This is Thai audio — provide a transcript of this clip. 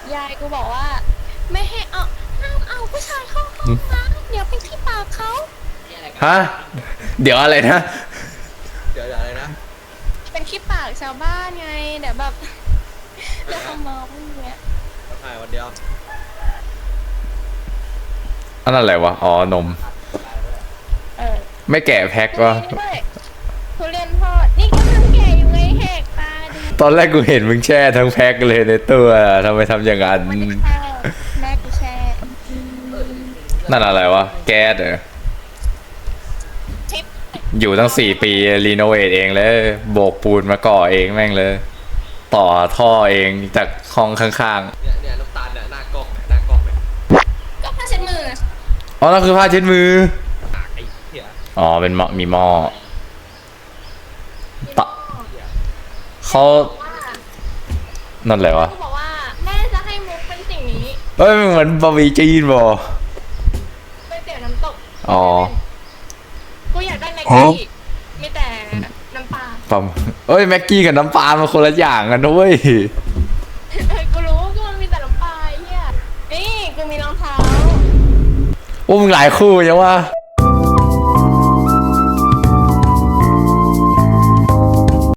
ยายกูบอกว่าไม่ให้เอาห้ามเอาผู้ชายเข้าห้องนะเดี๋ยวเป็นที่ปากเขาฮะเดี๋ยวอะไรนะเดี๋ยวอะไรนะเป็นขี้ปากชาวบ้านไงเดี๋ยวแบบเดี๋ยวเขามองอย่างเงี้ยมาถ่ายวันเดียวอันนั้นอะไรวะอ๋อนมเออไม่แกะแพ็ควะด้วยทุเรียนทอดนี่กำลังแก่อยู่ไงแหกตาดูตอนแรกกูเห็นมึงแช่ทั้งแพ็คเลยในตัวทำไมทำอย่างนั้นไม่ได้แช่แม่กูแช่นั่นอะไรวะแก๊สเหรอทิปอยู่ตั้ง4 ปีรีโนเวทเองเลยโบกปูนมาก่อเองแม่งเลย ต่อท่อเองจากห้องข้างเนี่ยน้ำตาลเนี่ยหน้ากล้องเนี่ยหน้ากล้องเนี่ยก็ผ้าเช็ดมือๆอ๋อนั่นคือผ้าเช็ดมือปากไอ้เหี้ยอ๋อเป็นหม้อมีหม้อตะเขานั่นแหละวะกูบอกว่าแม่จะให้มุกเป็นสิ่งนี้เอ้ยมันเหมือนบะหมี่จีนบ่ก๋วยเตี๋ยวน้ำตกอ๋อกูอยากได้แม็กกี้มีแต่น้ำปลาปั๊มเอ้ยแม็กกี้กับน้ำปลามันคนละอย่างกันนะเว้ยกูรู้ก็มันมีแต่น้ำปลาไอ้เฮียนี่กูมีรองเท้าโอ้มึงหลายคู่ยังวะ